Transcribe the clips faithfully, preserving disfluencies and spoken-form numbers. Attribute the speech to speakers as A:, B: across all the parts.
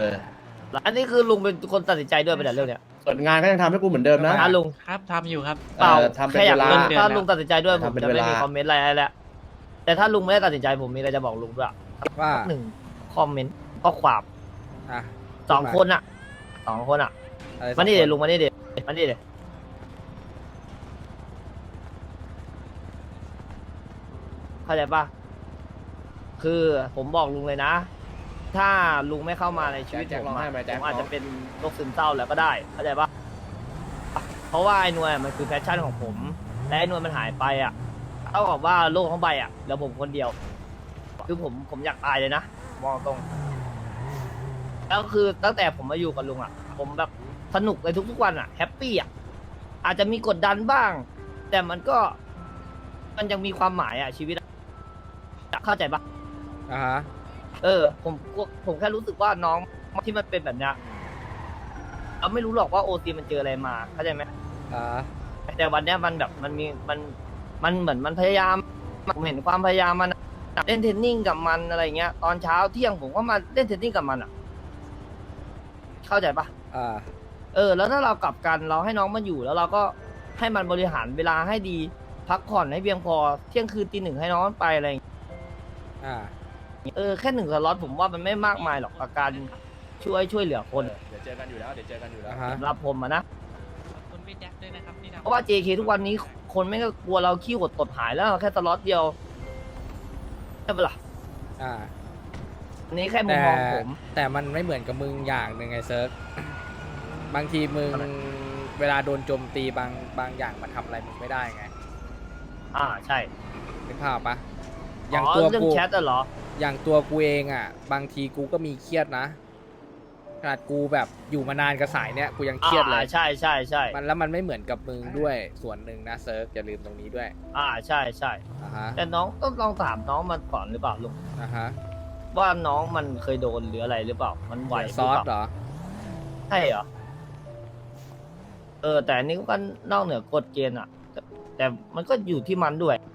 A: อ
B: อันนี้คือลุงเป็นคนตัดสินใจด้วยไปแต่เรื่องเนี้ย
A: ส่วนงานก็ยังทำให้กูเหมือนเดิมนะ
B: นะลุง
C: ครับทำอยู่ครับ
B: เปล่า
A: เออทำเป็น
B: แค่อยาก
A: เวลา
B: รู้ถ้าลุงตัดสินใจด้วยผม
A: ทำเป็น
B: จะไม่
A: เวลามี
B: มีคอมเมนต์อะไรแล้วแต่ถ้าลุงไม่ได้ตัดสินใจผมมีอะไรจะบอกลุงด้วย
D: ว่า
B: หนึ่งคอมเมนต์ข้อความ
D: อ่ะ
B: สองคนอ่ะสองคนอ่ะ
D: อะไรสอง
B: มานี่เดี๋ยว
D: ค
B: ลุงมานี่เดี๋ยวมานี่เดี๋ยวเข้าใจปะคือผมบอกลุงเลยนะ ถ้าลุงไม่เข้ามาในชีวิต
A: แจ็ค
B: ผม
A: ร้องไห้
B: อะ
A: ไหมแจ็
B: ผ
A: ค
B: มอาจจะเป็นโรคซึมเศร้าแล้วก็ได้เข้าใจปะเพราะว่าไอ้หน่วยมันคือแพชชั่นของผมและไอ้หน่วยมันหายไปอ่ะเท่ากับว่าโลกทั้งใบอ่ะแล้วผมคนเดียว คือผมผมอยากตายเลยนะมองตรงแล้วคือตั้งแต่ผมมาอยู่กับลุงอ่ะ ผมแบบสนุกในทุกๆวันอ่ะแฮปปี้อ่ะอาจจะมีกดดันบ้าง แต่มันก็มันยังมีความหมายอ่ะชีวิตอะเข้าใจปะ
D: อ่ะฮะ
B: เออผมผมแค่รู้สึกว่าน้องที่มันเป็นแบบเนี้ยเราไม่รู้หรอกว่าโอซีมันเจออะไรมาเข้าใจไหม
D: อ่า
B: แต่วันเนี้ยมันแบบมันมีมันมันเหมือนมันพยายามผมเห็นความพยายามมันอะเล่นเทรนนิ่งกับมันอะไรเงี้ยตอนเช้าเที่ยงผมก็มาเล่นเทรนนิ่งกับมันอ่ะ เข้าใจปะ
D: อ่า
B: เออแล้วถ้าเรากลับกันเราให้น้องมันอยู่แล้วเราก็ให้มันบริหารเวลาให้ดีพักผ่อนให้เพียงพอเที่ยงคืนตีหนึ่งให้น้องมันไปอะไรอย่างเงี้ย
D: อ่า
B: เออแค่หนึ่งสล็อตผมว่ามันไม่มากมายหรอกกับการช่วยช่วยเหลือคน
A: เดี๋ยวเจอกันอยู่แล้วเดี๋ยวเจอกันอยู่แล้ว
D: อ่าฮะ
B: สำหรับผมอะนะ
C: ขอบคุณพี่แจ็คด้วยนะครับที่ทำ
B: เพราะว่า เจ เค ทุกวันนี้คนไม่ก็กลัวเราขี้หดตดหายแล้วแค่สล็อตเดียวใช่ปะล่ะ
D: อ่า
B: อันนี้แค่มุม
D: แต่
B: มองผม
D: แต่มันไม่เหมือนกับมึงอย่างหนึ่งไงเซิร์ฟบางทีมึงเวลาโดนโจมตีบางบางอย่างมันทำอะไรมึงไม่ได้ไง
B: อ่าใช่
D: นึกภาพปะอ
B: อ๋
D: ย่าง
B: อ
D: ตัว
B: เรื่อง
D: กู
B: แชทอะเหรอ
D: อย่างตัวกูเองอ่ะ บางทีกูก็มีเครียดนะขนาดกูแบบอยู่มานานกับสายเนี้ยกูยังเครียดเลย
B: อ่าใช่ใช่ใช่
D: มันแล้วมันไม่เหมือนกับมึงด้วยส่วนหนึ่งนะเซิร์ฟอย่าลืมตรงนี้ด้วย
B: อ่าใช่ใช่
D: อ่าฮะ
B: แต่น้องต้องลองถามน้องมันก่อนหรือเปล่าลุง
D: อ่าฮะ
B: ว่าน้องมันเคยโดนหรืออะไรหรือเปล่า มันไหว
D: เดี๋ยว
B: ห
D: ซ
B: รือ
D: อส
B: เปล่า
D: เหรอ
B: ใช่เหรอ เออ แต่อันนี้ก็นอกเหนือกฎเกณฑ์อ่ะ แต่แต่มันก็อยู่ที่มันด้วย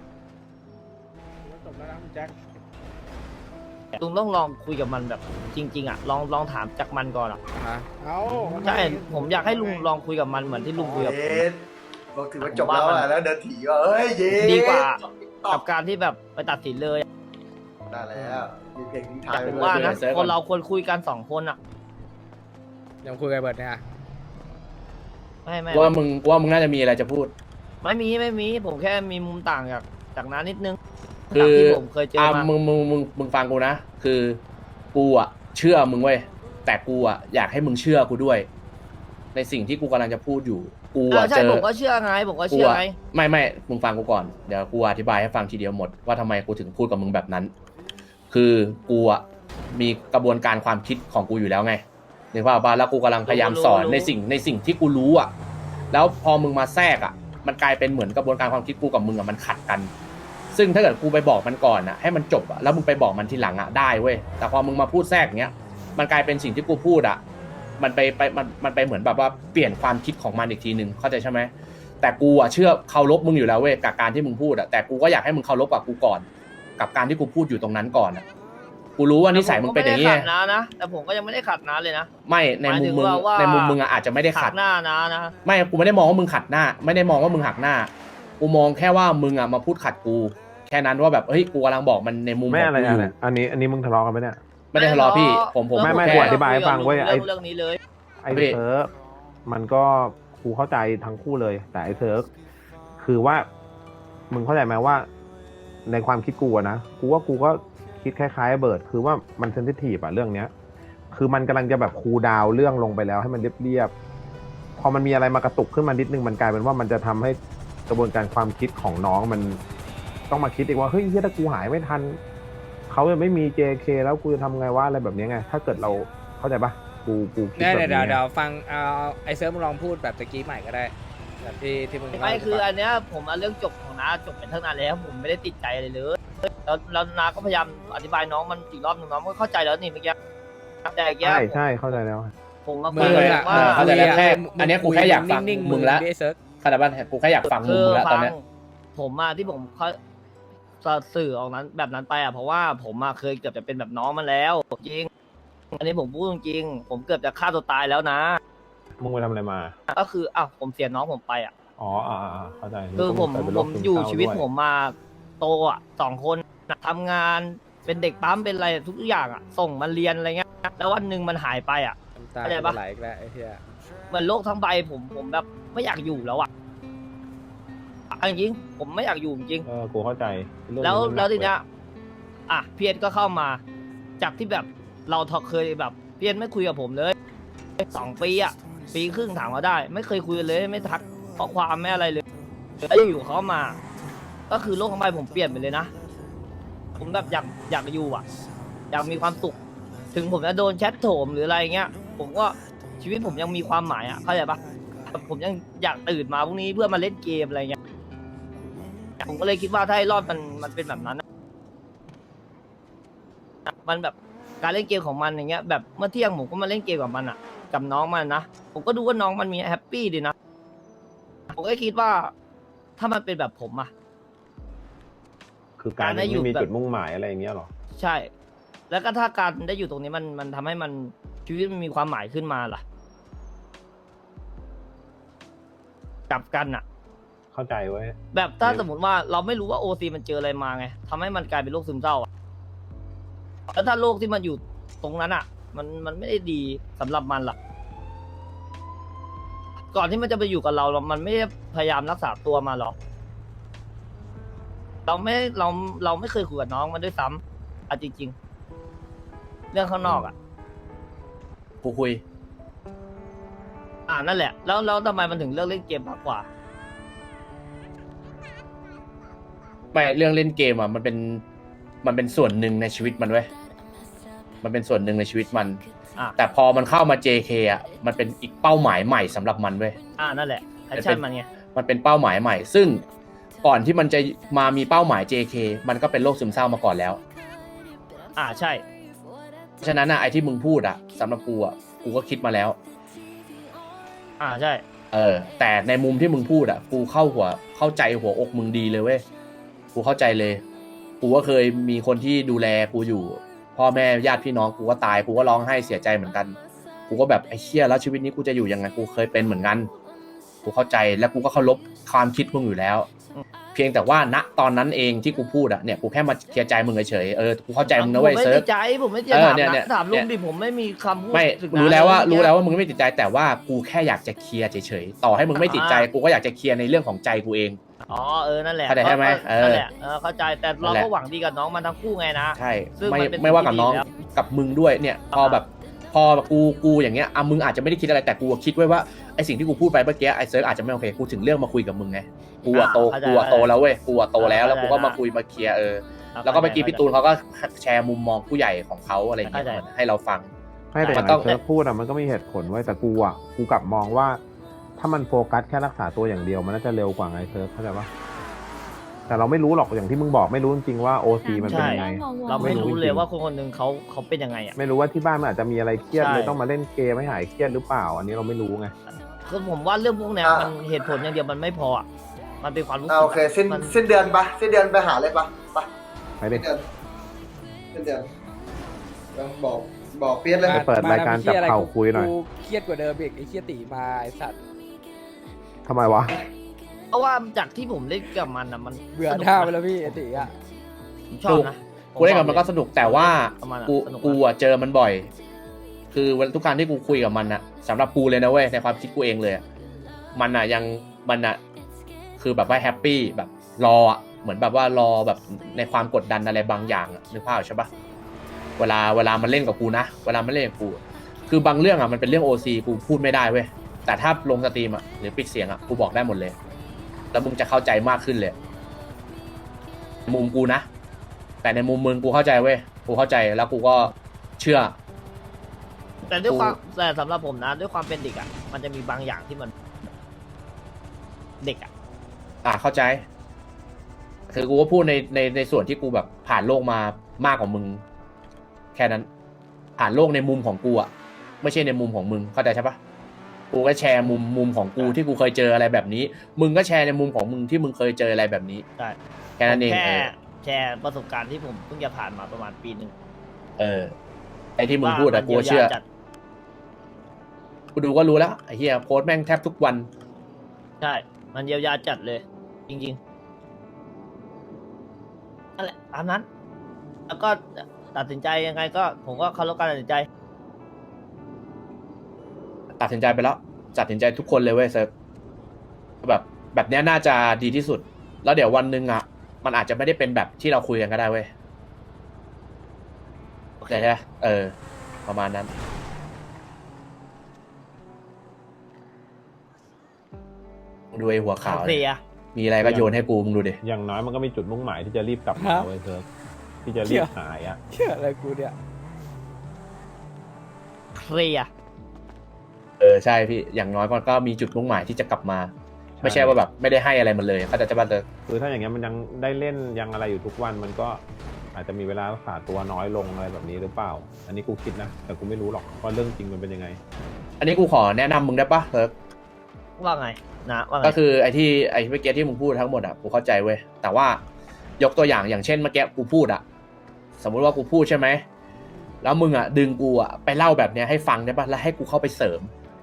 D: จบแล้วนะคุณแจ็ค
B: ลุงต้องลองคุยกับมันแบบจริง ๆ อ่ะ ลองลองถามจากมันก่อนอ่ะ
D: ฮะ
E: เอา
B: ใช่ผมอยากให้ลุงลองคุยกับมันเหมือนที่ลุงคุยกับผม
E: เย็ดบอกถือว่าจบแล้วอะแล้วเดินถีว่าเอ้ยเย็ด
B: ดีกว่า
E: ตอ
B: กั
E: บบ
B: การที่แบบไปตัดสินเลย
E: ได้แล้วมีเพลงทิ้งท้าย
B: แต่
E: ไว้
B: ผม
E: ด้วย
B: ว่านะคนเราควรคุยกันสองคนอ่ะ
D: ยังคุยกับเบิร์ดเนี่ย
B: ไม่ไม่
A: ว่ามึงว่ามึงน่าจะมีอะไรจะพูด
B: ไม่มีไม่มี ผมแค่มีมุมต่างจากจากนั้นนิดนึง
A: คื
B: จาก
A: อ
B: ที่ผมเคยเจอ
A: อ่ะ
B: มา
A: มึงมึงมึงมึงฟังกูนะ คือกูอ่ะเชื่อมึงเว้ยแต่กูอ่ะอยากให้มึงเชื่อกูด้วย ในสิ่งที่กูกำลังจะพูดอยู่ กู
B: เอ
A: อ่ะ
B: อใช่
A: เจอ
B: ผมก็เชื่อไง ผมก็
A: กู
B: เชื่อ
A: อ่ะ
B: ไง
A: ไม่ไม่มึงฟังกูก่อนเดี๋ยวกูอธิบายให้ฟังทีเดียวหมดว่าทำไมกูถึงพูดกับมึงแบบนั้น คือกูอ่ะมีกระบวนการความคิดของกูอยู่แล้วไงนึกภาพป่ะแล้วกูกำลังพยายามสอนในสิ่งในสิ่งที่กูรู้อ่ะ แล้วพอมึงมาแทรกอ่ะ มันกลายเป็นเหมือนกระบวนการความคิดกูกับมึงอ่ะมันขัดกัน ซึ่งถ้าเกิดกูไปบอกมันก่อนอ่ะให้มันจบอ่ะแล้วมึงไปบอกมันทีหลังอ่ะได้เว้ยแต่พอมึงมาพูดแทรกเนี้ยมันกลายเป็นสิ่งที่กูพูดอ่ะมันไปไปมันมันไปเหมือนแบบว่าเปลี่ยนความคิดของมันอีกทีนึงเข้าใจใช่ไหมแต่กูอ่ะเชื่อเคารพมึงอยู่แล้วเว้ยกับการที่มึงพูดอ่ะแต่กูก็อยากให้มึงเคารพกับกูก่อน กับการที่กูพูดอยู่ตรงนั้นก่อนอ่ะกูรู้ว่านิสัยมึงเป็นอย่าง
B: นี้
A: นี้
B: ขัดนะนะ แต่ผมก็ยังไม่ได้ขัดนะเลยนะ
A: ไม่ในมุมมึง
B: หมายถึงว่า
A: ในมุมมึงอ่ะอาจจะไม่ได้
B: ขั
A: ขั
B: ด
A: ด
B: หน้านะนะ
A: ไม่กูไม่ได้มองว่ามึงขัดหน้า ไม่ได้มองว่ามึงหักหน้ากูมองแค่ว่ามึงอ่ะมาพูดขัดกู แค่นั้นว่าแบบเฮ้ยกูกำลังบอกมันในมุมข
F: ไม่
A: อง
F: อะไร
A: กูอ
F: อะไร
A: ยู่
F: อันนี้อันนี้มึงทะเลาะกันไหมเนี่ย
A: ไม่ได้ทะเลาะพี่ผมผม
F: ไม่ไม่
A: แค่
F: กูอธิบายให้ฟังเว้ยไอ้
B: เรื่องนี้เลย
F: ไอ้เซิร์ฟมันก็กูเข้าใจทั้งคู่เลย แต่ไอ้เซิร์ฟคือว่า มึงเข้าใจไหมว่า ในความคิดกูอะนะกูว่ากูก็คิดคล้ายๆเบิร์ดคือว่ามันเซนซิทีฟอะเรื่องเนี้ย คือมันกำลังจะแบบคูลดาวน์เรื่องลงไปแล้วให้มันเรียบๆพอมันมีอะไรมากระตุกขึ้นมานิดนึงมันกลายเป็นว่ามันจะทำให้กระบวนการความคิดของน้องมัน ต้องมาคิดอีกว่าเฮ้ยถ้ากูหายไม่ทันเขาจะไม่มี เจ เค แล้วกูจะทำไงว่าอะไรแบบนี้ไง ถ้าเกิดเราเข้าใจปะกูกูคิด
D: เนี่ย
F: แบบ
D: เดี๋ยว
F: นี้
D: เดี๋ยวฟังเอาไอเซิร์ฟมึงลองพูดแบบตะกี้ใหม่ก็ได้แบบที่ที่มึง
B: ไม่คือ
D: เล่า
B: อันเนี้ยผมเอาเรื่องจบของน้าจบไปตั้งนานแล้วผมไม่ได้ติดใจอะไรเลยแล้วแล้วน้าก็พยายามอธิบายน้องมันอีกรอบหนึงน้องก็เข้าใจแล้วนี่เมื่อกี้แต่เมื่อกี้
F: ใช่ใช่เข้าใจแล้ว
B: ผมมา
D: มึ
B: คุ
D: ง
B: ย
D: อะ
B: ว่า
A: เข้าใจแล้วแค่อันเนี้ยกูแค่อยากฟัง
D: นิ่งๆ
A: มึงละ
D: ดิไอ้เซิร์ฟ
A: ขนาดบ้านกูแค่อยากฟังมึ
B: คื
A: ง
B: อ
A: แล้วต
B: ฟั
A: อน
B: ง
A: เนี้ย
B: ผมมาที่ผมเขาสื่อออกนั้นแบบนั้นไปอ่ะเพราะว่าผมมาเคยเกือบจะเป็นแบบน้องมันแล้วจริงอันนี้ผมพูดจริงๆผมเกือบจะฆ่าตัวตายแล้วนะ
F: มึงไปทำอะไรมา
B: ก็คืออ้าวผมเสียน้องผมไปอ่ะ
F: อ๋ออ่าอ่าเข้าใจ
B: คือผม
F: งก็เป็น
B: ผ
F: โร
B: ม
F: ซึ
B: อยู่
F: เศร้า
B: ชีวิต
F: ด้ย
B: ผมมาโตอ่ะสองคนน่ะทำงานเป็นเด็กปั๊มเป็นอะไรทุกอย่างอ่ะส่งมันเรียนอะไรเงี้ยแล้ววันหนึ่งมันหายไปอ่ะ
D: น้ำตา
B: เข้าใจ
D: จะ
B: ปะ
D: ไหลอีกแล้วไอ้เหี้ย
B: เหมือนโลกทั้งใบผมผมแบบไม่อยากอยู่แล้วอ่ะเอาจริงๆผมไม่อยากอยู่จริง
F: เออกูเข้าใจเรื่อง
B: แล้ว
F: นี้มันหนัก
B: แล้วทีเนี้ย
F: เย
B: อ่ะเพียรก็เข้ามา จากที่แบบเราทอเคยแบบเพียรไม่คุยกับผมเลยสองปีอ่ะปีครึ่งถามว่าได้ ไม่เคยคุยกันเลยไม่ทักข้อความไม่อะไรเลยแล้วอยู่เขามา ก็คือโลกทั้งใบผมเปลี่ยนไปเลยนะ ผมแบบอยากอยากอยู่อ่ะ อยากมีความสุข ถึงผมจะโดนแชทโถมหรืออะไรเงี้ย ผมก็ชีวิตผมยังมีความหมายอ่ะเข้าใจปะผมยังอยากตื่นมาพรุ่งนี้เพื่อมาเล่นเกมอะไรเงี้ยผมก็เลยคิดว่าถ้าให้รอดมันมันเป็นแบบนั้น มันแบบการเล่นเกมของมันอย่างเงี้ยแบบเมื่อเที่ยงผมก็มาเล่นเกมกับมันอ่ะ กับน้องมันนะผมก็ดูว่าน้องมันมีแฮปปี้ดีนะผมก็คิดว่าถ้ามันเป็นแบบผมอ่ะ
F: คือการ
B: การได้
F: ไม่
B: อยู่
F: มี
B: แบบ
F: จุดมุ่งหมายอะไรอย่างเงี้ยหรอ
B: ใช่ แล้วก็ถ้าการได้อยู่ตรงนี้มันมันทำให้มันชีวิตมันมีความหมายขึ้นมาล่ะกลับกันอ่ะ
F: เข้าใจเว้ย
B: แบบถ้า
F: เนี่ย
B: สมมติว่าเราไม่รู้ว่าโอซีมันเจออะไรมาไงทำให้มันกลายเป็นโรคซึมเศร้าอ่ะแล้วถ้าโรคที่มันอยู่ตรงนั้นอ่ะ มันมันไม่ได้ดีสำหรับมันล่ะ ก่อนที่มันจะไปอยู่กับเราเรามันไม่ได้พยายามรักษาตัวมาหรอกเราไม่เราเราไม่เคยคุยกับน้องมันด้วยซ้ำอ่ะจริงๆ เรื่องข้างนอกอ่ะ
A: กูคุย
B: อ่านั่นแหละ แล้วแล้วทำไมมันถึงเลือกเล่นเกมมากกว่า
A: ไม่เรื่องเล่นเกมอ่ะมันเป็นมันเป็นส่วนหนึ่งในชีวิตมันเว้ยมันเป็นส่วนหนึ่งในชีวิตมัน
B: อ่ะ
A: แต่พอมันเข้ามา เจ เค อ่ะมันเป็นอีกเป้าหมายใหม่สำหรับมันเว้ย
B: อ่านั่นแหละแพชชั่นมันไง
A: มันเป็นเป้าหมายใหม่ ซึ่งก่อนที่มันจะมามีเป้าหมาย เจ เค มันก็เป็นโรคซึมเศร้ามาก่อนแล้ว
B: อ่าใช่
A: เพราะฉะนั้นอ่ะไอ้ที่มึงพูดอ่ะสำหรับกูอ่ะกูก็คิดมาแล้ว
B: อ่าใช่
A: เออแต่ในมุมที่มึงพูดอ่ะกูเข้าหัวเข้าใจหัวอกมึงดีเลยเว้ยกูเข้าใจเลยกูก็เคยมีคนที่ดูแลกูอยู่พ่อแม่ญาติพี่น้องกูก็ตายกูก็ร้องไห้เสียใจเหมือนกันกูก็แบบไอ้เชี่ยแล้วชีวิตนี้กูจะอยู่ยังไงกูเคยเป็นเหมือนกันกูเข้าใจและกูก็เคารพความคิดมึงอยู่แล้ว เพียงแต่ว่าณตอนนั้นเองที่กูพูดอ่ะเนี่ยกูแค่มาเคลียร์ใจมึงเฉยๆเออกูเข้าใจมึงนะเว้ย
B: ผมไม่
A: เซิร์ฟ
B: ติดใจผมไม่ติด
A: เออ
B: ถาม
A: เนี่ยเนี่
B: นะ
A: ย
B: ถามลุง
A: เนี่ย
B: ดิผมไม่มีคำพูด
A: ไม่
B: ถึง
A: รู้แล้วว่า
B: นะ
A: รู้แล้วว่ามึงไม่ติดใจแต่ว่ากูแค่อยากจะเคลียร์เฉยๆต่อให้มึงไม่ติดใจกูก็อยากจะเคลียร์ในเรื่องของใจกูเอง
B: อ๋อเออนั่นแหละ
A: เข้าใจใช่ไหม
B: ก็
A: เออ
B: นั่นแหละเออเข้าใจแต่เรา
A: นั่นแห
B: ก็
A: ละ
B: หวังดีกับน้องมันทั้งคู่ไงนะ
A: ใช่
B: ซึ่ง
A: ไม่
B: มันเป็น
A: ไม่ว่ากับน้อง
B: สิ่งที่ดีแล้ว
A: กับมึงด้วยเนี่ยพอ
B: อ่า
A: แบบพอกูกูอย่างเงี้ยอ่ะมึงอาจจะไม่ได้คิดอะไรแต่กูคิดไว้ว่าไอสิ่งที่กูพูดไปเมื่อกี้ไอเซิร์ฟอาจจะไม่โอเคกูถึงเรื่องมาคุยกับมึงไงกูอะโต
B: อ่าเข้าใจ
A: กูอะโตแล้วเว้ยกูอะโตแล้วแล้ว
B: เข้าใจ
A: กูก็มา
B: ได้
A: คุยมาเคลียร์เออ
B: อ่ะ
A: แล้วก็เมื่อกี้
B: เข้าใจ
A: พี่ตูนเขาก็แชร์มุมมองผู้ใหญ่ของเขาอะไรอย่างเงี้ย
B: เข้าใจ
A: เหมือนให้เราฟัง
F: ไม่แต่อ
A: มั
F: ย่าน ง
A: ต้อง
F: ไอ้เซิร์ฟพูดอ่ะมันก็มีเหตุผลไว้ยแต่กูอ่ะกูกลับมองว่า ถ้ามันโฟกัสแค่รักษาตัวอย่างเดียวมันน่าจะเร็วกว่าไงเซิร์ฟเข้าใจปะแต่เราไม่รู้หรอกอย่างที่มึงบอกไม่รู้จริงๆว่าโอซีมันเป็นยังไง
B: เราไม่รู้
F: ไม่รู้
B: เลย
F: จริง
B: ว่าคนคนหนึ่งเขาเขาเป็นยังไงอ่ะ
F: ไม่รู้ว่าที่บ้านมันอาจจะมีอะไรเครียด
B: ใช่
F: เลยต้องมาเล่นเกมให้หายเครียดหรือเปล่า อันนี้เราไม่รู้ไง
B: คือผมว่าเรื่องพวกเนี้ย
E: อ่ะ
B: มันเหตุผลอย่างเดียวมันไม่พออ่ะมันเป็นความรู้สึ
E: อ่าก โอเคสิ้น
B: มัน
E: สิ้นเดือนปะสิ้นเดือนไปหาเลยปะไป
F: ไปดิ
E: สิ้นเดือนสิ้นเดือนต้องบอกบอกเปียดเลย
F: ไปเปิดรายการจับเข่าคุยหน่อย
D: กูเครียดกว่าเดิมอีกไอ้เครียดตีมาไอ้สัตว์
F: ทำไมวะ
B: เพราะว่าจากที่ผมเล่นกับมันอ่ะมัน
D: เบื่อ
B: สนุก
D: หน้า
B: นะ
D: ไปแล้วพี่ไอ้ตีอ่ะ
B: ผมชอบนะ
A: กูเล่นกับมันก็สนุกแต่ว่า
B: ประมาณนั้น
A: กู
B: สนุกนะ
A: กูอะเจอมันบ่อย คือวันทุกครั้งที่กูคุยกับมันอะสำหรับกูเลยนะเว้ยในความคิดกูเองเลยอะมันอะยังมันอะคือแบบว่าแฮปปี้แบบรออะเหมือนแบบว่ารอแบบในความกดดันอะไรบางอย่างอะนึกภาพออกใช่ปะเวลาเวลามันเล่นกับกูนะเวลามันเล่นกับกูอะคือบางเรื่องอะมันเป็นเรื่องโอซีกูพูดไม่ได้เว้ยแต่ถ้าลงสตรีมอะหรือปิดเสียงอะกูบอกได้หมดเลย แล้วมึงจะเข้าใจมากขึ้นเลยมุมกูนะแต่ในมุมมึงกูเข้าใจเว้ยกูเข้าใจแล้วกูก็เชื่อ
B: แต่ด้วย
A: กู
B: ความแต่สำหรับผมนะ ด้วยความเป็นเด็กอ่ะมันจะมีบางอย่างที่มัน เด็กอ่ะ
A: อ่ะเข้าใจคือกูก็พูดในในในส่วนที่กูแบบผ่านโลกมามากกว่ามึง แค่นั้น ผ่านโลกในมุมของกูอ่ะไม่ใช่ในมุมของมึงเข้าใจใช่ปะกูก็แชร์มุมมุมของกูที่กูเคยเจออะไรแบบนี้ มึงก็แชร์ในมุมของมึงที่มึงเคยเจออะไรแบบนี้
B: ใช่
A: แค่นั้นเอง
B: แค่
A: เออ
B: แชร์ประสบการณ์ที่ผมเพิ่งจะผ่านมาประมาณปีหนึ่ง
A: เออไอ้ที่มึงพูดอะกูเชื่อ
B: ว่ามันยียวยาจัด
A: กูดูก็รู้แล้วไอ้เหี้ยโพสต์แม่งแทบทุกวัน
B: ใช่ มันเยียวยาจัดเลย จริงๆนั่นแหละตามนั้น แล้วก็ตัดสินใจยังไงก็ผมก็เคารพการตัดสินใจ
A: ตัดสินใจไปแล้วตัดสินใจทุกคนเลยเว้ยเซิร์ฟแบบแบบเนี้ยน่าจะดีที่สุด แล้วเดี๋ยววันหนึ่งอ่ะ มันอาจจะไม่ได้เป็นแบบที่เราคุยกันก็ได้เว้ย
B: โอเค
A: ใช่ไหมเออ ประมาณนั้น ดูไอ้หัวขาว
B: เคลี
A: เนี่ย
B: ยร์
A: มีอะไรก็โยนให้กูมึงดูดิ
F: อย่างน้อยมันก็มีจุดมุ่งหมายที่จะรีบกลับมา
D: ครับ
F: เว้ยเซิร์ฟที่จะรีบหายอ่ะ
D: เชื่ออะไรกูเนี่ย
B: เคลียร์
A: เออใช่พี่ อย่างน้อยมันก็มีจุดมุ่งหมายที่จะกลับมา ไม่ใช่ว่าแบบไม่ได้ให้อะไรมันเลยเขาใจะจะมาเจอ
F: คือถ้าอย่างเงี้ยมันยังได้เล่นยังอะไรอยู่ทุกวันมันก็อาจจะมีเวลารักษาตัวน้อยลงอะไรแบบนี้หรือเปล่า อันนี้กูคิดนะ แต่กูไม่รู้หรอกว่าเรื่องจริงมันเป็นยังไง
A: อันนี้กูขอแนะนำมึงได้ปะเซิร์ฟ
B: ว่าไงนะว่าไง
A: ก็คือไอ้ที่ไอ้เมื่อกี้ที่มึงพูดทั้งหมดอ่ะกูเข้าใจเว้ยแต่ว่ายกตัวอย่างอย่างเช่นเมื่อกี้กูพูดอ่ะสมมุติว่ากูพูดใช่ไหมแล้วมึงอ่ะดึงกูอ่ะไปเล่าแบบเนี้ยให้ฟังได้ปะแล้วให้กูเข้าไปเสริม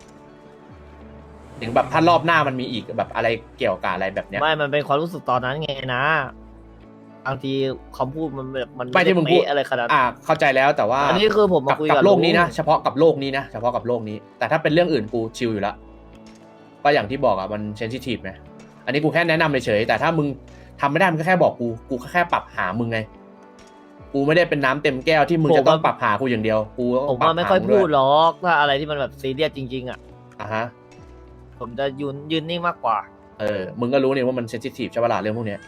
A: ถึงแบบถ้ารอบหน้ามันมีอีกแบบอะไรเกี่ยวกับอะไรแบบเนี้ย
B: ไม่ มันเป็นความรู้สึกตอนนั้นไงนะบางทีคำพูดมันแบบมัน
A: ไม่ที่มึงพูด
B: เป๊ะอะไรขนาดนั้น
A: อ่าเข้าใจแล้วแต่ว่า
B: อันนี้คือผมมา
A: กับ
B: คุย
A: กั
B: กั
A: บบ โลกนี้นะ
B: ลุง
A: เฉพาะกับโลกนี้นะเฉพาะกับโลกนี้ แต่ถ้าเป็นเรื่องอื่นกูชิลอยู่แล้วก็อย่างที่บอกอ่ะมันเซนซิทีฟไงอันนี้กูแค่แนะนำเฉยๆแต่ถ้ามึงทำไม่ได้มึงก็แค่บอกกูกูก็แค่ปรับหามึงไงกูไม่ได้เป็นน้ำเต็มแก้วที่มึงจะต้องปรับหากูอย่างเดียวกูต้อง
B: ผม
A: ปรับ
B: ว่าไม่
A: หา
B: ค่อย
A: มึง
B: พู
A: ด้
B: ด
A: วย
B: หรอกถ้าอะไรที่มันแบบซีเรียสจริงๆอ่ะ
A: อ่ะฮะ
B: ผมจะยืนยืนนิ่งมากกว่า
A: เออ มึงก็รู้นี่ว่ามันเซนซิทีฟใช่ปะล่ะเรื่องพวกเนี้ย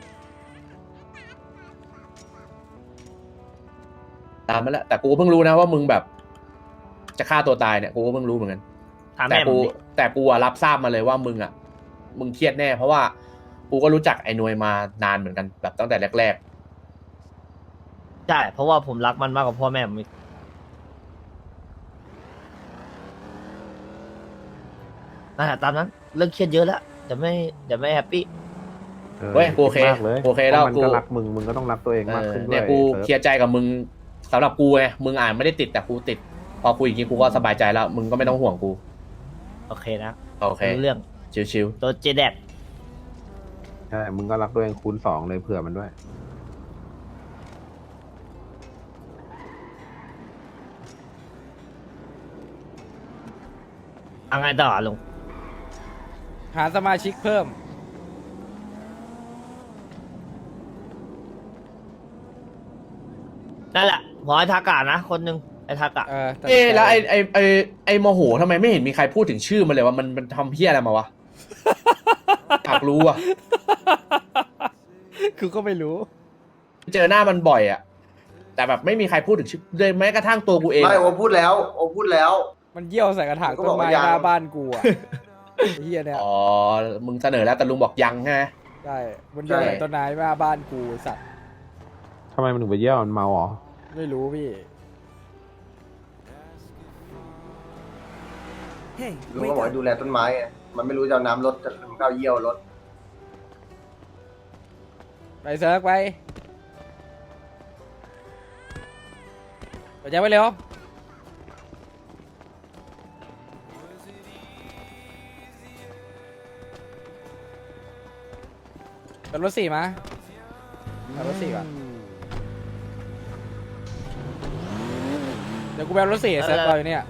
A: ตามมาแล้วแต่กูก็เพิ่งรู้นะว่ามึงแบบ จะฆ่าตัวตายเนี่ยกูก็เพิ่งรู้เหมือนกัน
B: ถาม
A: แต่
B: แม่ผ
A: กู
B: มดิ
A: แต่กูอะรับทราบมาเลยว่ามึงอะมึงเครียดแน่ เพราะว่ากูก็รู้จักไอ้หนวยมานานเหมือนกันแบบตั้งแต่แรก
B: ใช่ เพราะว่าผมรักมันมากกว่าพ่อแม่ผมอีกนั่นแหละตามนั้น เรื่องเครียดเยอะแล้วเดี๋ยวไม่เดี๋ยวไม่แฮปปี้
A: เว้ยกูโอเค
F: มากเลย
A: โอเคแล้ว
F: พราะมัน
A: กู
F: ก็รักมึงมึงก็ต้องรักตัวเอง
A: ๆเอ
F: มาก
A: อ
F: ขึ้นด้วย
A: เนี่ยกู
F: ซิร์ฟ
A: เคลียร์ใจกับมึงสำหรับกูไงมึงอ่านไม่ได้ติดแต่กูติด พอคุยอย่างนี้กูก็สบายใจแล้ว มึงก็ไม่ต้องห่วงกู
B: โอเคนะ
A: โอเค
B: รู้เรื่อง
A: ชิว
B: ตัวเจแดด
F: ใช่ มึงก็รักตัวเองคูณสองเลยเผื่อมันด้วย
B: เอาไงต่อลุง
D: หาสมาชิกเพิ่ม
B: นั่นแหละหมอไอทากะนะ คนหนึ่งไอทากะ
D: เออตัด
A: ๆเอ๊ะ
D: สินใจ
A: แล้วไอ้ไอ้ไอ้ไอ้โมโหทำไมไม่เห็นมีใครพูดถึงชื่อมันเลยว่ามันมันทำเพี้ยอะไรมาวะ อยากรู้อ่ะ
D: คือก็ไม่รู้
A: เจอหน้ามันบ่อยอ่ะ แต่แบบไม่มีใครพูดถึงชื่อเลยแม้กระทั่งตัวกูเอง
E: ไม่โอพูดแล้วโอพูดแล้ว
D: มันเยี่ยวใส่กระถาง
E: ก็
D: ต้
E: บอน ก
D: ไม้
E: ว่ายัง
D: หน้าบ้านกูอ่ะ ไอ้เฮียเนี่ย
A: อ๋อ มึงเสนอแล้วแต่ลุงบอกยังใช่ไหม
D: ใช่มันเยี่ยวใส่ต้นไม้หน้าบ้านกูไอ้สัตว์
F: ทำไมมันถึงไปเยี่ยวมันเมาเหรอ
D: ไม่รู้พี่
E: ลุงก็บอกให้ดูแลต้นไม้ไงมันไม่รู้จะเอาน้ำรดจะมันก็เอาเยี่ยวรด
D: ไปเซิร์ฟไปไปแจ้งไปเร็วเป็นรถสี่มาเอารถสี่ก่อนเดี๋ยวกูไปเอารถสี่เซิร์ฟรออยู่เนี่ย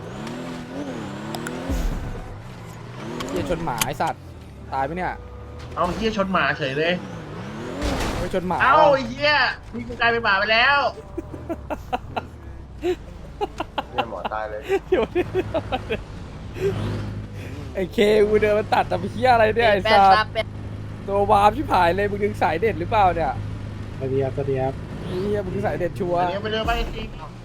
D: เหี้ยชนหมาไอสัตว์ตายไปเนี่ย
A: เอาเฮียชนหมาเฉยเลย
D: ไม่ชนหมา
A: เอา
D: ว่ะ
A: เฮียมีกูกลายเป็นหมาไปแล้ว
E: เนี่ยหมอตายเลย
D: เดี๋ยวดิไอเคกูเดินมาตัดแต่ไปเฮียอะไรเนี่ยไอสัตว์ตัววาร์ปชิบหายเลยมึงดึงสายเด็ดหรือเปล่าเนี่ย
F: สวัสดีครับสวัสดีครับ
D: เฮียมึงดึงสายเด็ดชัวร์
A: เดี๋ยวไปเรือไปจริง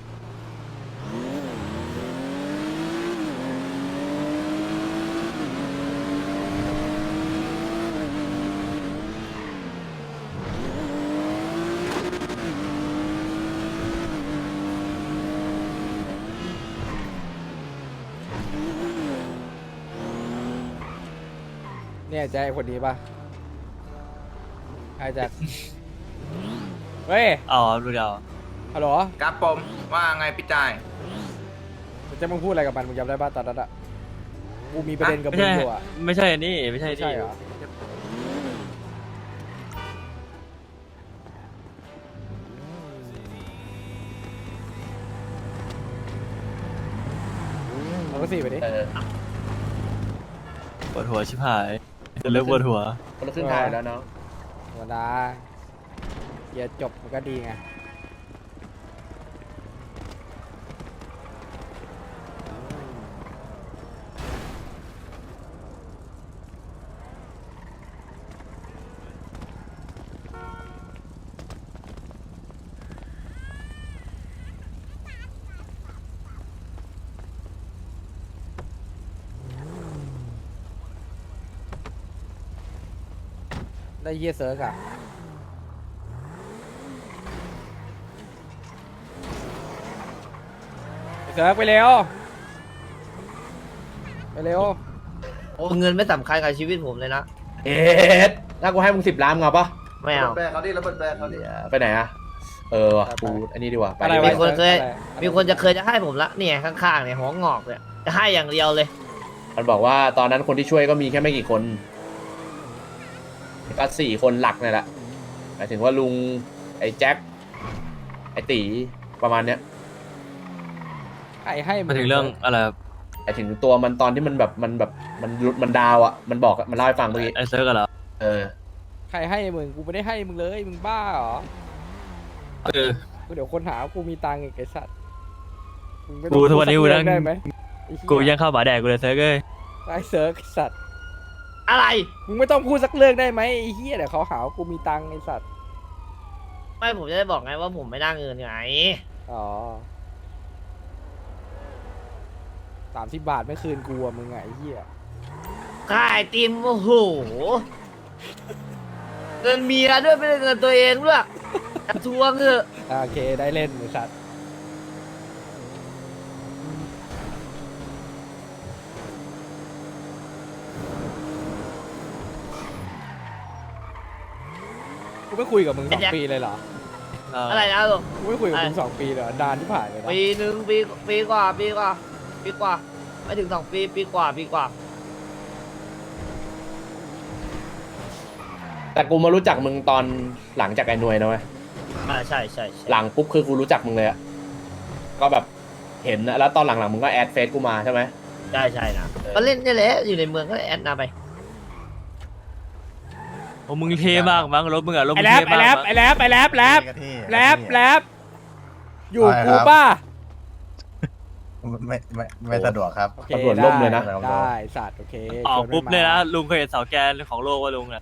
D: เนี่ยใจคนนี้ปะใครจะเฮ้ย
C: อ๋อรู้แล้ว
D: ฮัลโหล
G: ครับผมว่าไงพี่จ่าย
D: จะมึงพูดอะไรกับมันมึงจำได้ป่ะตอนนั้นอะกูมีประเด็นกับ
H: ไม่
D: มึง
H: ใช่
D: อยู่อะ
H: ไม่ใช่นี่ไม่ใช่
D: ไม่ใช่
H: นี่
D: เหรอเอาก็สี่ไปดิ
A: เออ
H: ปวดหัวชิบหายเลิกปวดหัว
A: คนละครึ่งทางแล้วเนาะ
D: ธรรมดาเดี๋ยวจบมันก็ดีไงได้เฮียเซิร์กอะเซิร์กไปเร็วไปเร็ว
B: โอ้เงินไม่สำคัญกับชีวิตผมเลยนะ
A: เอ็ดถ้ากูให้มึงสิบล้านมึงเอาปะ
B: ไม่
E: ระ
B: เอา
E: เบิดแบรเขาดิระเบิดแบรเขาดิ
A: ไปไหนอะเออว่ะกูอันนี้ดีกว่าไป
D: อะไร
A: ดี
D: วะ
A: กว่า
B: มีคนเคย
D: อะไรอะไร
B: มีคนจะเคยจะให้ผมละเนี่ยข้างๆเนี่ยหัวงอกเนี่ยจะให้อย่างเดียวเลย
A: มันบอกว่าตอนนั้นคนที่ช่วยก็มีแค่ไม่กี่คนก็สี่คนหลักนี่แหละหมายถึงว่าลุงไอ้แจ็คไอ้ตีประมาณเนี้ย
D: ไอ้ให้
H: มาถึงเรื่องอะไรครับ
A: หมายถึงตัวมันตอนที่มันแบบมันแบบมันหลุดมันดาวอ่ะมันบอกอะมันเล่าให้ฟังเมื่อกี้
H: ไอเซิร์กกันเหรอ
A: เออ
D: ใครให้มึงกูไม่ได้ให้มึงเลยมึงบ้าเหรอ
H: เออ
D: กูเดี๋ยวคนหาว่ากูมีตังค์อีกไอ้สัตว์มึงไม่
H: กูทุกวันนี้กูนั่ง
D: ได้ไหมไอ้เหี้
H: กูยังเข้าหมาแดกกูเลยเซิร์กเอ้ย
D: ไอ้เซิร์กไอ้สัตว์
B: อะไร
D: มึงไม่ต้องพูดสักเรื่องได้ไหมไอ้เหี้ยเดี๋ยวเขาหาว่ากูมีตังค์ไอ้สัตว์
B: ไม่ผมจะได้บอกไงว่าผมไม่ได้เงินไง
D: อ๋อสามสิบบาทไม่คืนกูอะมึงอะไอ้เหี้ย
B: ค่าไอติมโอ้โหเงินเมียด้วยไม่ได้เงินตัวเองด้วยจะทวงเถอะ
D: อ่ะโอเคได้เล่นไอ้สัตว์กูไม่คุยกับมึงสองปีเลยเหรอ
H: เออ
B: อะไรนะลูก
D: กูไม่คุยกับมึง
B: อะไร
D: สองปีเลยเหรอนานที่ผ่านเลยนะ
B: ปีหนึ่งปีปีกว่าปีกว่าปีกว่าไม่ถึงสองปีปีกว่าปีกว่า
A: แต่กูมารู้จักมึงตอนหลังจากไอ้หน่วยนะเว้ย
B: อ่าใช่ใช่ใช่
A: หลังปุ๊บคือกูรู้จักมึงเลยอะก็แบบเห็นนะแล้วตอนหลังๆมึงก็แอดเฟซกูมาใช่ไหม
B: ใช่ใช่นะก็เล่นนี่แหละอยู่ในเมืองก็แอดนาไป
H: โอ้มึงเท่มากมั้งรถมึงอะรถ
D: ไอ้
H: มึง
D: แรป
H: เท่
D: ไอ้
H: มาก
D: แรป
H: มั้ง
D: ไอ้แรปไอ้แรปแรปแรปแรปอยู่กูป่ะ
I: ไม่ไม่ไม่สะดวกครับ
D: โอเค
A: ตำรวจล่มเลยนะ
D: ได้ได้สัตว์โอเค
H: ออก
D: ชวน
H: ปุ๊บ
D: มั
H: เลยนะลุงเคยเห็นเสาแกนของโลกว่าลุงอะ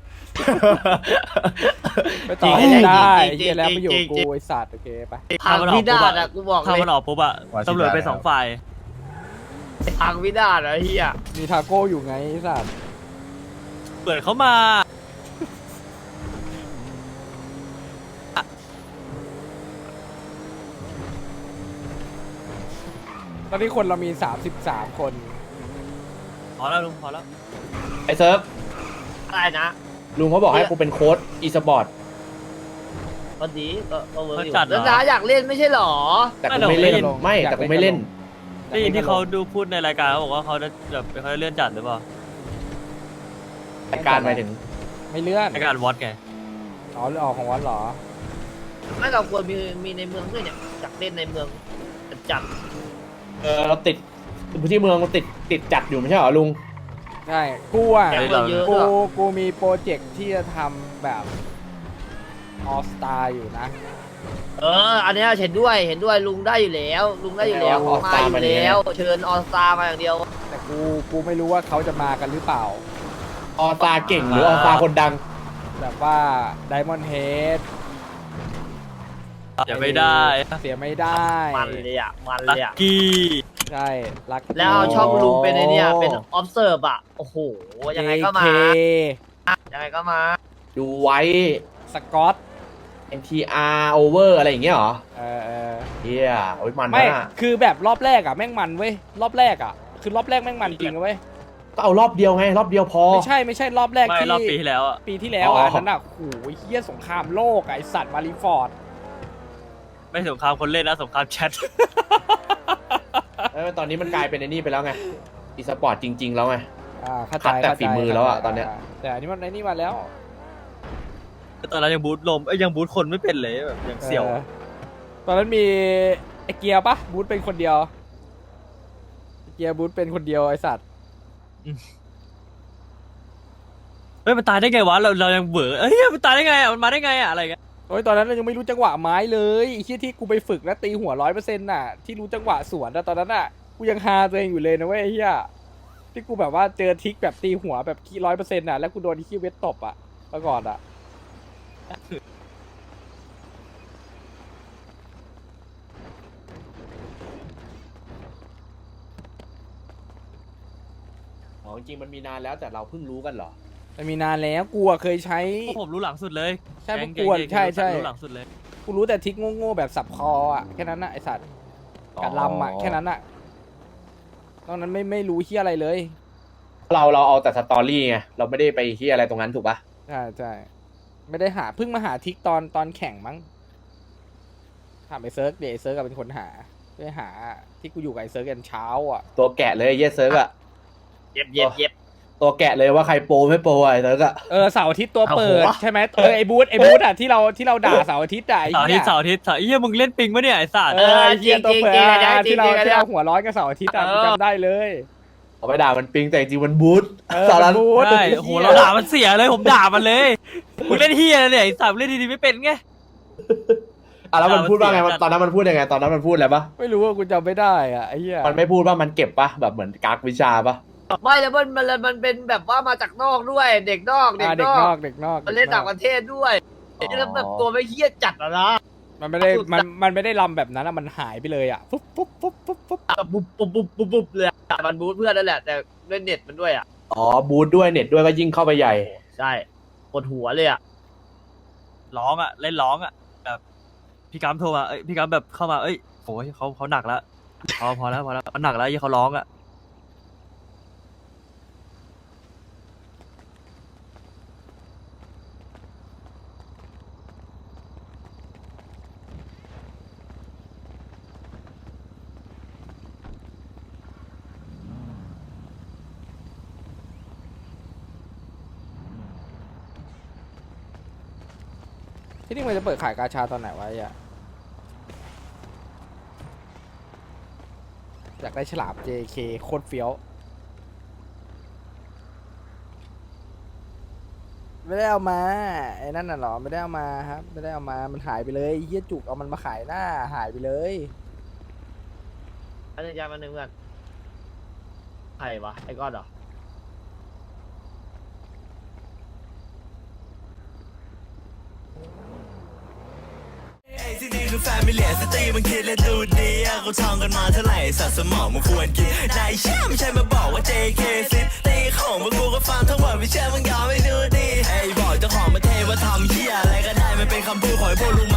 D: ไปต่อ
B: จริง
D: ให้ได้
B: จริ
D: ไอ้
B: ง
D: เหี้ยแล้วมาอยู่
B: จริง
D: กู
B: จริง
D: ไอ้สัตว์โอเคไป
B: พังพินาศอะกูบอก
H: ถ้า
B: เล
H: มัน
B: ย
H: ออกปุ๊บอะ
I: ว่าชิ
H: ตำรวจไป
I: ได้แล้ว
H: สองฝ่าย
B: พังพินาศอะเฮีย
D: มีทาโก้อยู่ไงไอ้สัตว์
H: เปิดเขามา
D: ตอนนี้คนเรามีสามสิบสามคน
H: พอแล้วลุงพอแล้ว
A: ไอ้เซิร์ฟ
B: อะไรนะ
A: ลุงเขาบอกให้กูเป็นโค้ดอีสปอร์ต
B: ก็ดีก็ก็เวิร์กอยู่
H: เขาจัดเหรอ
B: แล้วน้าอยากเล่นไม่ใช่หรอ
A: แต่กูไม่เล่นไม่แต่กูไม่เล่น
H: ได้ยินที่เขาดูพูดในรายการเขาบอกว่าเขาจะแบบเขาจะเลื่อนจัดหรือเปล่า
A: รายการหมายถึง
D: ไม่เลื่อน
H: รายการวอตไง
D: อ๋อออกของวัดเหรอ
B: ไม่เราควรมีมีในเมืองด้วยเนี่ยอยากเล่นในเมืองจัด
A: เออเราติดที่เมืองมันติดติดจัดอยู่ไม่ใช่เหรอลุง
D: ใช่กูอ่ะ
B: แกงเมืองเยอะ
D: กู
B: ด้วย
D: กูมีโปรเจกต์ที่จะทำแบบออสตาอยู่นะ
B: เอออันเนี้ยเห็นด้วยเห็นด้วยลุงได้อยู่แล้ว ลุงได้อยู่แล้ว
A: เอา
B: มา
A: All-Star
B: อยู่
A: มาดิ
B: แล้ว เชิญออสตามาอย่างเดียว
D: แต่กูกูไม่รู้ว่าเขาจะมากันหรือเปล่า
A: ออตาเก่งหรือออตาคนดัง
D: แบบว่าไดมอนด์เฮด
H: อย่าไม่ได้
D: เสียไม่ได้
B: มันเลยอ่ะมัน
H: ลั
B: เลย
H: ก
B: อ่ะ
H: กี้
D: ใช่รัก
B: แล้วเอาช่องลุงเป็นไอเนี่ยเป็น observe อ่ะโอ้โหยังไงก็มา
D: เอเค
B: ยังไงก็มา
A: ดูไว้
D: สกอต
A: เอ็น ที อาร์ over อะไรอย่างเงี้ยเหรอ
D: เออเออ
A: เฮียโอ้ยมัน
D: ไม่
A: นะ
D: คือแบบรอบแรกอ่ะแม่งมันเว้ยรอบแรกอ่ะคือรอบแรกแม่งมันจริงนะเว้ย
A: ก็เอารอบเดียวไง รอบเดียวพอ
D: ไม่ใช่ไม่ใช่รอบแรก
H: ไม่
D: ที่
H: รอบปีที่แล้วอะ
D: ปีที่แล้วอ่ะ
A: อ๋อ
D: นั่นอ่ะโอ้โหเฮียสงครามโลกอะไอสัตว์มาริฟอร์ด
H: ไม่สงครามคนเล่นนะสงครามแชท
A: เออตอนนี้มันกลายเป็นไอ้นี่ไปแล้วไงอีสปอร์ตจริง ๆ แล้วไง
D: อ่าเข้าใจ
A: คัดแต่
D: เข้าใจ
A: ฝีมือแล้วอะ
D: เข้าใจ
A: ตอนเนี้ย
D: แต่อันนี้มันไอ้นี่มาแล้ว
H: ตอนนั้นยังบูทลมเอ้ยยังบูทคนไม่เป็นเลยแบบยังเสี่ยว
D: ออตอนนั้นมีไอเกียร์ปะบูธเป็นคนเดียวไอ้เกียร์บูธเป็นคนเดียวไอสัตว์
H: เฮ้ยมันตายได้ไงวะเราเรายังเบื่อเอ้ยมันตายได้ไงอะมันมาได้ไงอะอะไรเงี้ย
D: โอ้ยตอนนั้นเรายังไม่รู้จังหวะไม้เลยไอ้ที่ที่กูไปฝึกแล้วตีหัวร้อยเปอร์เซ็นต์น่ะที่รู้จังหวะสวนนะตอนนั้นน่ะกูยังฮาตัวเองอยู่เลยนะเว้ยไอ้เหี้ยที่กูแบบว่าเจอทริกแบบตีหัวแบบขี้ร้อยเปอร์เซ็นต์น่ะแล้วกูโดนขี้เวทตบอ่ะเมื่อก่อนอ่ะ
A: อ๋อจริงๆมันมีนานแล้วแต่เราเพิ่งรู้กันเหรอ
D: มันมีนานแล้วกูอะเคยใช้
H: พวกผมรู้หลังสุดเลย
D: ใช่พวก
H: แง
D: กวน
H: แง
D: ใช่ใช่
H: รู้หลังสุดเลย
D: กูรู้แต่ทริกโง่ๆแบบสับคออ่ะแค่นั้นน่ะไอสัตว์การลำอ่ะแค่นั้นน่ะตอนนั้นไม่ไม่รู้เฮียอะไรเลย
A: เราเราเอาแต่สตอรี่ไงเราไม่ได้ไปที่อะไรตรงนั้นถูกปะ
D: ใช่ใช่ไม่ได้หาเพิ่งมาหาทริกตอนตอนแข่งมั้งถามไอเซิร์กเดี๋ยวไอเซิร์กเป็นคนหาไปหาที่กูอยู่กับไอเซิร์กกันเช้าอ่ะ
A: ตัวแกะเลยไอ้เยสเซิร์กอะ
B: เย็บเย็บเย็บ
A: ตัวแกะเลยว่าใครโปรไม่โปรอะไอ้เซิร์กอะ
D: เออเสาร์อาทิตย์ตัวเปิด
B: เอาหัว
D: ใช่ไหมเออไอบูธไอบูธอ่ะที่เราที่เราด่าเสาร์อาทิตย์อ่ะไอ้
H: เสาร์อาทิ
D: เหี้
H: ต
D: ย
H: ย์เสาร์อาทิตย์เสาร์เหี้ยมึงเล่นปิงปะเนี่ยไอ้สัตว์
D: เออไอ้เหี้ยตัวเปิด
B: จริงๆ
D: อ่ะ
B: จริงๆ
D: ที่เรา
B: จริงๆ
D: ที่เราหัวร้อนกับเสาร์อาทิตย์อ่ะ
B: เออ
D: กูจำได้เลย
A: เอาไปด่ามันปิงแต่จริงๆมันบูท
D: เออ
A: สาระ
D: มันบูธ
H: ใช่โอ้โหเราด่ามันเสียเลยผมด่ามันเลยมึงเล่นเฮียอะไรเนี่ยไอ้สัตว์มึงเล่นดีๆไม่เป็นไง
A: อ่ะแล้วมันพูดว่าไง
H: ด่ามันเสีย
A: ตอนนั้นมันพูดยังไงตอนนั้นมันพูดอะไรปะ
D: ไม่รู้ว่ากูจำไม่ได้อ่ะไอ้เหี้ย
A: มันไม่พูดว่ามันเก็บปะแบบเหมือนกักวิชาปะ
B: ไม่แล้วมันมันมันเป็นแบบว่ามาจากนอกด้วย เด็กนอกเด็
D: อ่าก เด็
B: น
D: ก
B: อน
D: อก กเด็กนอก
B: มันเล่นต่างประเทศด้วยแล้วแบบตัวไม่เฮี้ยจัดอะนะ
D: มันไม่ได้มันมันไม่ได้ลำแบบนั้นอ่ะมันหายไปเลยอ่ะปุ๊บปุ๊บปุ๊บปุ๊บปุ๊บ
B: แบบปุ๊บปุ๊บปุ๊บปุ๊บปุ๊บเลยอะมันบูทเพื่อนนั่นแหละแต่ด้วยเน็ตมันด้วยอ่ะ
A: อ๋อบูทด้วยเน็ตด้วยก็ยิ่งเข้าไปใหญ่
B: ใช่ปวดหัวเลยอ่ะ
H: ร้องอ่ะเล่นร้องอ่ะแบบพี่กัมโทรมาเอ้ยพี่กัมแบบเข้ามาเอ้ยโอ้ยเขาเขาหนักแล้วพอพอแล้วพอแล้วเขาหนักแล้วยี่เขาร้องอ่ะ
D: ที่นี่มันจะเปิดขายกาชาตอนไหนวะไอ้อ่ะอยากได้ฉลาม เจ เค โคตรเฟี้ยวไม่ได้เอามาไอ้นั่นน่ะเหรอไม่ได้เอามาครับไม่ได้เอามามันหายไปเลยเฮียจุกเอามันมาขายหน้าหายไปเลย
B: อันนี้ยามาหนึ่งเพื่อนใครวะไอ้ก้อนเหรอ
I: ที่นี่คือแฟมิเลียสตรีมันคิดและดูดีอะเขาท่องกันมาเท่าไหร่สัตว์สมองมันควรกินนายเชื่อไม่ใช่มาบอกว่า เจ เค ซิตีของพวกกูก็ฟังทั้งหมดไม่เชื่อมึงยอมไม่ดูดีไอ้บอกเจ้าของประเทศว่าทำเหี้ยอะไรก็ได้มันเป็นคำพูดของไอ้พวกลุง